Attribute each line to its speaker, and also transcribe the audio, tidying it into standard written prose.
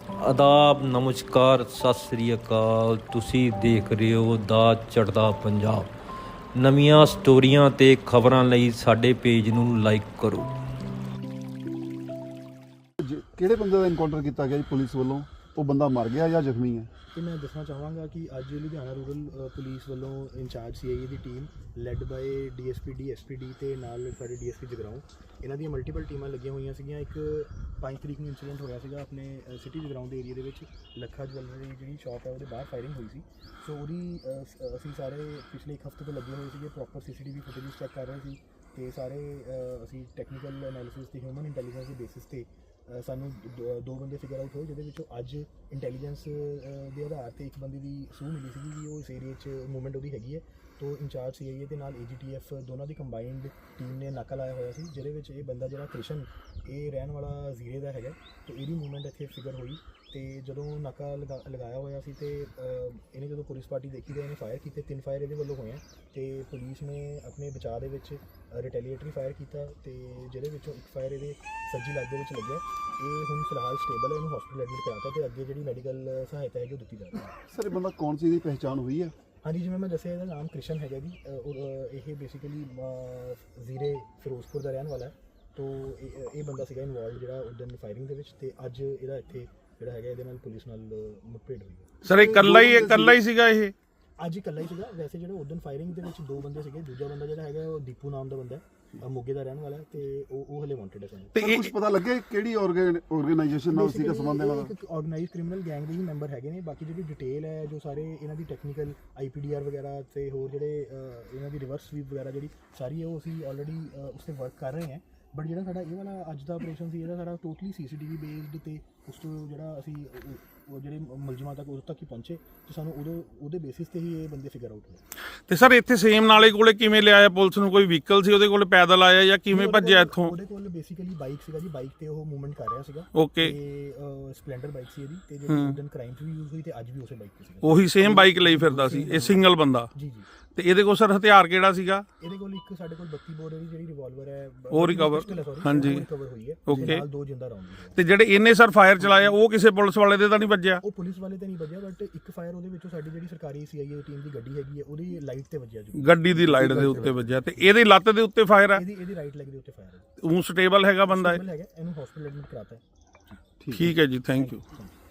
Speaker 1: ਆਦਾਬ, ਨਮਸਕਾਰ, ਸਤਿ ਸ੍ਰੀ ਅਕਾਲ। ਤੁਸੀਂ ਦੇਖ ਰਹੇ ਹੋ ਦਾ ਚੜ੍ਹਦਾ ਪੰਜਾਬ। ਨਵੀਆਂ ਸਟੋਰੀਆਂ ਤੇ ਖਬਰਾਂ ਲਈ ਸਾਡੇ ਪੇਜ ਨੂੰ ਲਾਈਕ ਕਰੋ।
Speaker 2: ਕਿਹੜੇ ਬੰਦੇ ਦਾ ਇਨਕਾਊਂਟਰ ਕੀਤਾ ਗਿਆ ਜੀ ਪੁਲਿਸ ਵੱਲੋਂ? ਉਹ ਬੰਦਾ ਮਰ ਗਿਆ ਜਾਂ ਜ਼ਖਮੀ ਹੈ?
Speaker 3: ਤੇ ਮੈਂ ਦੱਸਣਾ ਚਾਹਾਂਗਾ ਕਿ ਅੱਜ ਲੁਧਿਆਣਾ ਰੂਰਲ ਪੁਲਿਸ ਵੱਲੋਂ ਇੰਚਾਰਜ ਸੀਆਈਏ ਦੀ team led by DSP SPD ਤੇ ਨਾਲ ਸਾਡੇ ਡੀਐਸਪੀ ਜਗਰਾਉਂ, ਇਹਨਾਂ ਦੀਆਂ ਮਲਟੀਪਲ ਟੀਮਾਂ ਲੱਗੀਆਂ ਹੋਈਆਂ ਸੀਗੀਆਂ। ਇੱਕ 5 ਤਰੀਕ ਨੂੰ ਇੰਸੀਡੈਂਟ ਹੋਇਆ ਸੀਗਾ ਆਪਣੇ ਸਿਟੀ ਜਗਰਾਉਂ ਦੇ ਏਰੀਆ ਦੇ ਵਿੱਚ। ਲੱਖਾ ਜਵੈਲਰੀ ਜਿਹੜੀ ਸ਼ਾਪ ਹੈ ਉਹਦੇ ਬਾਹਰ ਫਾਇਰਿੰਗ ਹੋਈ ਸੀ। ਸੋ ਉਹਦੀ ਅਸੀਂ ਸਾਰੇ ਪਿਛਲੇ 1 ਹਫ਼ਤੇ ਤੋਂ ਲੱਗੇ ਹੋਏ ਸੀਗੇ, ਪ੍ਰੋਪਰ ਸੀਸੀਟੀਵੀ ਫੁਟੇਜ ਚੈੱਕ ਕਰ ਰਹੇ ਸੀ ਤੇ ਸਾਰੇ ਅਸੀਂ ਟੈਕਨੀਕਲ ਐਨਾਲਿਸਿਸ ਤੇ ਹਿਊਮਨ ਇੰਟੈਲੀਜੈਂਸ ਦੇ ਬੇਸਿਸ ਤੇ ਸਾਨੂੰ ਦੋ ਬੰਦੇ ਫਿਗਰ ਆਊਟ ਹੋਏ, ਜਿਹਦੇ ਵਿੱਚੋਂ ਅੱਜ ਇੰਟੈਲੀਜੈਂਸ ਦੇ ਆਧਾਰ ਤੇ ਇੱਕ ਬੰਦੇ ਦੀ ਸੂਹ ਮਿਲੀ ਸੀਗੀ ਕਿ ਉਹ ਇਸ ਏਰੀਏ 'ਚ ਮੂਵਮੈਂਟ ਉਹਦੀ ਹੈਗੀ ਹੈ। ਤੋਂ ਇੰਚਾਰਜ ਸੀਆਈਏ ਦੇ ਨਾਲ ਏਜੀਟੀਐਫ ਦੋਨਾਂ ਦੀ ਕੰਬਾਈਨਡ ਟੀਮ ਨੇ ਨਾਕਾ ਲਾਇਆ ਹੋਇਆ ਸੀ, ਜਿਹਦੇ ਵਿੱਚ ਇਹ ਬੰਦਾ ਜਿਹੜਾ ਕ੍ਰਿਸ਼ਨ, ਇਹ ਰਹਿਣ ਵਾਲਾ ਜ਼ੀਰੇ ਦਾ ਹੈਗਾ। ਤੇ ਇਹਦੀ ਮੂਵਮੈਂਟ ਇੱਥੇ ਫਿਗਰ ਹੋਈ ਤੇ ਜਦੋਂ ਨਾਕਾ ਲਗਾਇਆ ਹੋਇਆ ਸੀ ਤੇ ਇਹਨੇ ਜਦੋਂ ਪੁਲਿਸ ਪਾਰਟੀ ਦੇਖੀ ਤਾਂ ਇਹਨੇ ਫਾਇਰ ਕੀਤੇ। 3 ਫਾਇਰ ਇਹਦੇ ਵੱਲੋਂ ਹੋਏ ਆ ਤੇ ਪੁਲਿਸ ਨੇ ਆਪਣੇ ਬਚਾਅ ਦੇ ਵਿੱਚ ਰਿਟੈਲੀਏਟਰੀ ਫਾਇਰ ਕੀਤਾ ਤੇ ਜਿਹਦੇ ਵਿੱਚੋਂ ਇੱਕ ਫਾਇਰ ਇਹਦੇ ਸੱਜੀ ਲੱਤ ਦੇ ਵਿੱਚ ਲੱਗਿਆ। ਇਹ ਹੁਣ ਫਿਲਹਾਲ ਸਟੇਬਲ ਹੈ, ਇਹਨੂੰ ਹਸਪੀਟਲ ਐਡਮਿਟ ਕਰਾਤਾ ਤੇ ਅੱਗੇ ਜਿਹੜੀ ਮੈਡੀਕਲ ਸਹਾਇਤਾ ਹੈਗੀ ਉਹ ਦਿੱਤੀ ਜਾ ਰਹੀ ਹੈ।
Speaker 2: ਸਰ, ਇਹ ਬੰਦਾ ਕੌਣ ਸੀ? ਇਹਦੀ ਪਹਿਚਾਣ ਹੋਈ ਹੈ?
Speaker 3: ਹਾਂਜੀ, ਜਿਵੇਂ ਮੈਂ ਦੱਸਿਆ ਇਹਦਾ ਨਾਮ ਕ੍ਰਿਸ਼ਨ ਹੈਗਾ ਜੀ। ਇਹ ਬੇਸਿਕਲੀ ਜ਼ੀਰੇ ਫਿਰੋਜ਼ਪੁਰ ਦਾ ਰਹਿਣ ਵਾਲਾ ਹੈ। ਤੋਂ ਇਹ ਬੰਦਾ ਸੀਗਾ ਇਨਵੋਲਵ ਜਿਹੜਾ ਉਦੋਂ ਫਾਇਰਿੰਗ ਦੇ ਵਿੱਚ, ਤੇ ਅੱਜ ਇਹਦਾ ਇੱਥੇ ਜਿਹੜਾ ਹੈਗਾ ਇਹਦੇ ਨਾਲ ਪੁਲਿਸ ਨਾਲ ਮੁੱਠਭੇੜ ਹੋਈ ਹੈ।
Speaker 4: ਸਰ, ਇਹ ਇਕੱਲਾ ਹੀ ਸੀਗਾ? ਇਹ
Speaker 3: ਅੱਜ ਇਕੱਲਾ ਹੀ ਸੀਗਾ। ਵੈਸੇ ਜਿਹੜੇ ਉਦੋਂ ਫਾਇਰਿੰਗ ਦੇ ਵਿੱਚ 2 ਬੰਦੇ ਸੀਗੇ, ਦੂਜਾ ਬੰਦਾ ਜਿਹੜਾ ਹੈਗਾ ਉਹ ਦੀਪੂ ਨਾਮ ਦਾ ਬੰਦਾ ਹੈ, ਮੋਗੇ ਦਾ ਰਹਿਣ ਵਾਲਾ ਹੈ ਤੇ ਉਹ ਹਲੇ ਵਾਂਟਡ ਹੈ ਸਾਨੂੰ।
Speaker 2: ਤੇ ਕੁਝ ਪਤਾ ਲੱਗਿਆ ਕਿਹੜੀ ਆਰਗੇਨਾਈਜੇਸ਼ਨ ਨਾਲ ਉਸੀ ਦਾ ਸੰਬੰਧ ਹੈ?
Speaker 3: ਇੱਕ ਆਰਗੇਨਾਈਜ਼ਡ ਕ੍ਰਿਮੀਨਲ ਗੈਂਗ ਦੇ ਹੀ ਮੈਂਬਰ ਹੈਗੇ ਨੇ। ਬਾਕੀ ਜਿਹੜੀ ਡਿਟੇਲ ਹੈ, ਜੋ ਸਾਰੇ ਇਹਨਾਂ ਦੀ ਟੈਕਨੀਕਲ ਆਈਪੀਡੀਆਰ ਵਗੈਰਾ ਤੇ ਹੋਰ ਜਿਹੜੇ ਇਹਨਾਂ ਦੀ ਰਿਵਰਸ ਸਵੀਪ ਵਗੈਰਾ ਜਿਹੜੀ ਸਾਰੀ ਹੈ ਉਹ ਅਸੀਂ ਆਲਰੇਡੀ ਉਸ 'ਤੇ ਵਰਕ ਕਰ ਰਹੇ ਹਾਂ। ਬਟ ਜਿਹੜਾ ਸਾਡਾ ਇਹ ਵਾਲਾ ਅੱਜ ਦਾ ਆਪਰੇਸ਼ਨ ਸੀ, ਇਹਦਾ ਸਾਡਾ ਟੋਟਲੀ ਸੀਸੀਟੀਵੀ ਬੇਸਡ ਤੇ ਉਸ ਤੋਂ ਜਿਹੜਾ ਅਸੀਂ ਉਹ ਜਿਹੜੇ ਮੁਲਜ਼ਮਾਂ ਤੱਕ ਉਦੋਂ ਤੱਕ ਹੀ ਪਹੁੰਚੇ ਤੇ ਸਾਨੂੰ ਉਹਦੇ ਬੇਸਿਸ ਤੇ ਹੀ ਇਹ ਬੰਦੇ ਫਿਗਰ ਆਊਟ ਹੋਏ।
Speaker 4: ਤੇ ਸਰ, ਇੱਥੇ ਸੇਮ ਨਾਲੇ ਕੋਲੇ ਕਿਵੇਂ ਲਿਆਇਆ ਪੁਲਿਸ ਨੂੰ? ਕੋਈ ਵਹੀਕਲ ਸੀ ਉਹਦੇ ਕੋਲ, ਪੈਦਲ ਆਇਆ ਜਾਂ ਕਿਵੇਂ ਭੱਜਿਆ ਇੱਥੋਂ?
Speaker 3: ਉਹਦੇ ਕੋਲ ਬੇਸਿਕਲੀ ਬਾਈਕ ਸੀਗਾ ਜੀ, ਬਾਈਕ ਤੇ ਉਹ ਮੂਵਮੈਂਟ ਕਰ ਰਿਹਾ ਸੀਗਾ।
Speaker 4: ਓਕੇ।
Speaker 3: ਤੇ ਸਪਲੈਂਡਰ ਬਾਈਕ ਸੀ ਇਹਦੀ, ਤੇ ਜਿਹੜੀ ਉਦੋਂ ਕ੍ਰਾਈਮ 'ਚ ਵੀ ਯੂਜ਼ ਹੋਈ ਤੇ ਅੱਜ ਵੀ ਉਸੇ ਬਾਈਕ ਤੇ ਸੀਗਾ।
Speaker 4: ਉਹੀ ਸੇਮ ਬਾਈਕ ਲਈ ਫਿਰਦਾ ਸੀ ਇਹ ਸਿੰਗਲ ਬੰਦਾ?
Speaker 3: ਜੀ ਜੀ।
Speaker 4: ਤੇ ਇਹਦੇ ਕੋਲ ਸਰ ਹਥਿਆਰ ਕਿਹੜਾ ਸੀਗਾ?
Speaker 3: ਇਹਦੇ ਕੋਲ ਇੱਕ ਸਾਡੇ ਕੋਲ 32 ਬੋਰ ਦੀ ਜਿਹੜੀ ਰਿਵਾਲਵਰ ਹੈ
Speaker 4: ਉਹ ਰਿਕਵਰ? ਹਾਂਜੀ,
Speaker 3: ਰਿਕਵਰ ਹੋਈ ਹੈ।
Speaker 4: ਓਕੇ।
Speaker 3: ਨਾਲ 2 ਜਿੰਦਾ ਰਾਉਂਡ ਹੈ।
Speaker 4: ਤੇ ਜਿਹੜੇ ਇਹਨੇ ਸਰ ਫਾਇਰ ਚਲਾਇਆ ਉਹ ਕਿਸੇ ਪੁਲਿਸ ਵਾਲੇ ਦੇ ਤਾਂ ਨਹੀਂ ਵੱਜਿਆ?
Speaker 3: ਉਹ ਪੁਲਿਸ ਵਾਲੇ ਤੇ ਨਹੀਂ ਵੱਜਿਆ, ਬਟ ਇੱਕ ਫਾਇਰ ਉਹਦੇ ਵਿੱਚੋਂ ਸਾਡੀ ਜਿਹੜੀ ਸਰਕਾਰੀ ਸੀਆਈਏ ਟੀਮ ਦੀ ਗੱਡੀ ਹੈਗੀ ਹੈ ਉਹਦੀ ਲਾਈਟ ਤੇ ਵੱਜਿਆ ਜੀ।
Speaker 4: ਗੱਡੀ ਦੀ ਲਾਈਟ ਦੇ ਉੱਤੇ ਵੱਜਿਆ। ਤੇ ਇਹਦੀ ਲੱਤ ਦੇ ਉੱਤੇ ਫਾਇਰ ਹੈ?
Speaker 3: ਇਹਦੀ ਰਾਈਟ ਲੈਗ ਦੇ ਉੱਤੇ ਫਾਇਰ ਹੈ।
Speaker 4: ਉਹ ਸਟੇਬਲ ਹੈਗਾ ਬੰਦਾ?
Speaker 3: ਇਹਨੂੰ ਹਸਪੀਟਲ ਐਡਮਿਟ ਕਰਾਤਾ ਹੈ।
Speaker 4: ਠੀਕ ਹੈ ਜੀ, ਥੈਂਕ ਯੂ।